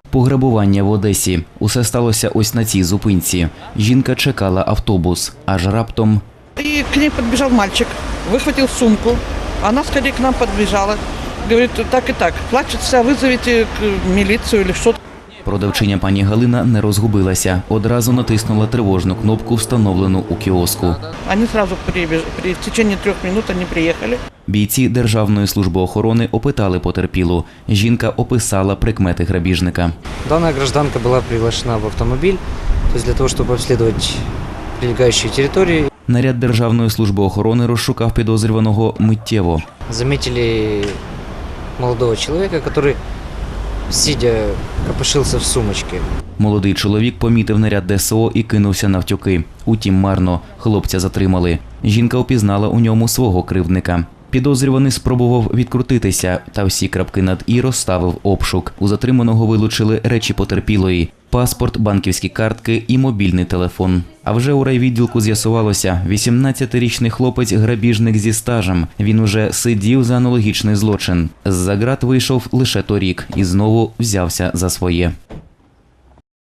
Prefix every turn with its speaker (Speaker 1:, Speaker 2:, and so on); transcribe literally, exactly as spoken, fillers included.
Speaker 1: Пограбування в Одесі. Усе сталося ось на цій зупинці. Жінка чекала автобус, аж раптом...
Speaker 2: И к ней подбежал мальчик, выхватил сумку. Она скорее к нам подбежала. Говорит, так и так, плачется, вызовите милицию или что-то.
Speaker 1: Продавчиня пані Галина не розгубилася. Одразу натиснула тривожну кнопку, встановлену у кіоску.
Speaker 2: Они сразу прибеж... при... в течение трех минут они приехали.
Speaker 1: Бійці Державної служби охорони опитали потерпілу. Жінка описала прикмети грабіжника.
Speaker 3: Данная гражданка была приглашена в автомобиль, то есть для того, чтобы обследовать прилегающие территории.
Speaker 1: Наряд Державної служби охорони розшукав підозрюваного миттєво.
Speaker 3: Заметили молодого человека, который, сидя, копошился в сумочке.
Speaker 1: Молодий чоловік помітив наряд Де Ес О і кинувся навтюки. Утім, марно. Хлопця затримали. Жінка опізнала у ньому свого кривдника. Підозрюваний спробував відкрутитися, та всі крапки над «і» розставив обшук. У затриманого вилучили речі потерпілої – паспорт, банківські картки і мобільний телефон. А вже у райвідділку з'ясувалося – вісімнадцятирічний хлопець – грабіжник зі стажем. Він уже сидів за аналогічний злочин. З-за ґрат вийшов лише торік і знову взявся за своє.